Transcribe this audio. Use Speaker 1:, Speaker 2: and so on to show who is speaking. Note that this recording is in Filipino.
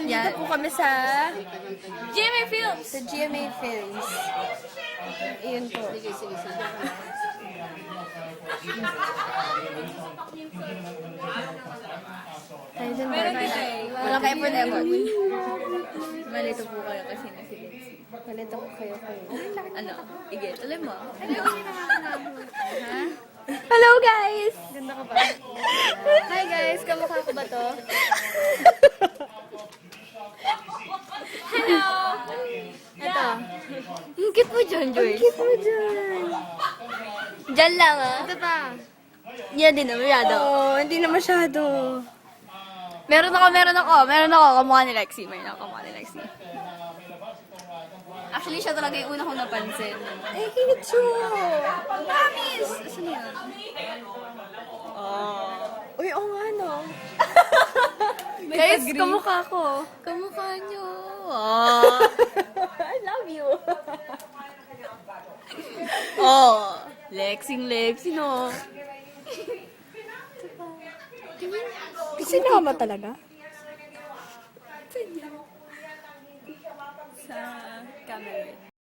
Speaker 1: nandito po kami sa
Speaker 2: GMA Films!
Speaker 1: sa GMA Films. Iyon po. Tayo dun ba?
Speaker 2: Meron din eh.
Speaker 1: Wala kayo po effort.
Speaker 2: Malito po kayo kasi na si Lindsay.
Speaker 1: Palito ko kayo.
Speaker 2: Ano? Ige, tuloy mo.
Speaker 1: Hello guys!
Speaker 2: Ganda ka ba? Hi guys, kamukha ko ba to? Hello! Ito.
Speaker 1: Ang cute mo dyan, Joyce. Ang cute mo dyan.
Speaker 2: Diyan lang ah.
Speaker 1: Ito pa.
Speaker 2: Yan din, masyado.
Speaker 1: Oo, hindi na masyado.
Speaker 2: Meron ako. Kamukha ni Lexie. Meron ako kamukha ni Lexie. Actually, siya talaga yung una kong napansin.
Speaker 1: Ay, cute siya.
Speaker 2: Promise! Saan yan?
Speaker 1: Uy, oo nga no.
Speaker 2: Guys, kamukha ko. Kamukha nyo.
Speaker 1: I love you.
Speaker 2: Lexing, no?
Speaker 1: Sinama talaga?
Speaker 2: Sa camera.